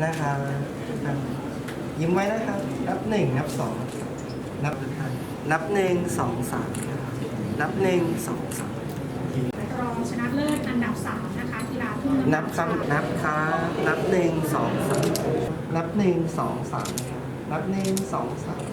นะครับยิ้มไว้นะครับนับหนึ่งนับสองนับหนึ่งสองสามนับหนึ่งสองสามรองชนะเลิศอันดับ3นะคะกีฬาทุ่งนับครับนับครับนับหนึ่งสองสามนับหนึ่งสองสามนับหนึ่งสองสาม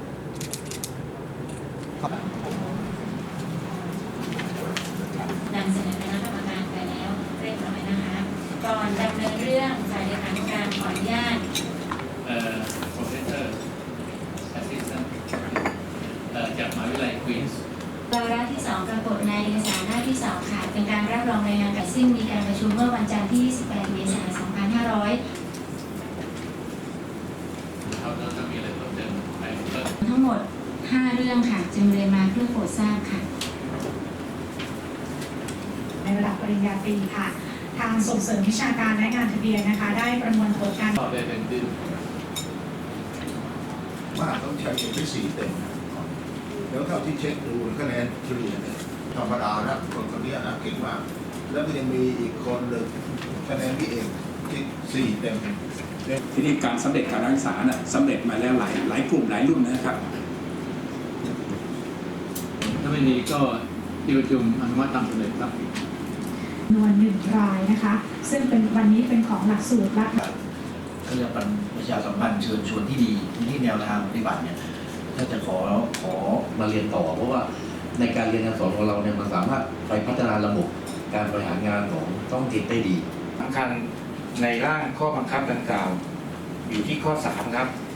นำเสนอคณะกรรมการไปแล้วเรียบร้อยนะคะก่อนดำเนินเรื่องฝ่ายเลขานุการขออนุญาต Professor Assistant จากมหาวิทยาลัยควีนส์วาระที่2ปรากฏในเอกสารหน้าที่2ค่ะเป็นการรับรองรายงานการซึ่งมีการประชุมเมื่อวันจันทร์ที่28 เมษายน 2500 เขาจะมีอะไรเพิ่มเติมไหมทั้งหมด5เรื่องค่ะจึงเรียนมาเพื่อโปรดทราบค่ะในระดับปริญญาตรีค่ะทางส่งเสริมวิชาการและงานทะเบียนนะคะได้ประมวลผลการตอบได้เป็นดิ้นมากต้องใช้เป็น4 เต็มแล้วเท่าที่เช็คดูคะแนนเฉลี่ยเนี่ยธรรมดานะคนนี้นะเก่งมากแล้วก็ยังมีอีกคนหนึ่งคะแนนพี่เอกที่4 เต็มทีนี้การสำเร็จการศึกษาน่ะสำเร็จมาแล้วหลายกลุ่มหลายรุ่นนะครับถ้าไม่มีก็ที่ประชุมอนุมัติตามสำเร็จครับจำนวน1 รายนะคะซึ่งเป็นวันนี้เป็นของหลักสูตรละก็จะเป็นประชาสัมพันธ์เชิญชวนที่ดีที่แนวทางปฏิบัติเนี่ยถ้าจะขอมาเรียนต่อเพราะว่าในการเรียนการสอนของเราเนี่ยมันสามารถไปพัฒนาระบบการบริหารงานของท้องถิ่นได้ดีสำคัญในร่างข้อบังคับดังกล่าวอยู่ที่ข้อ 3 ครับ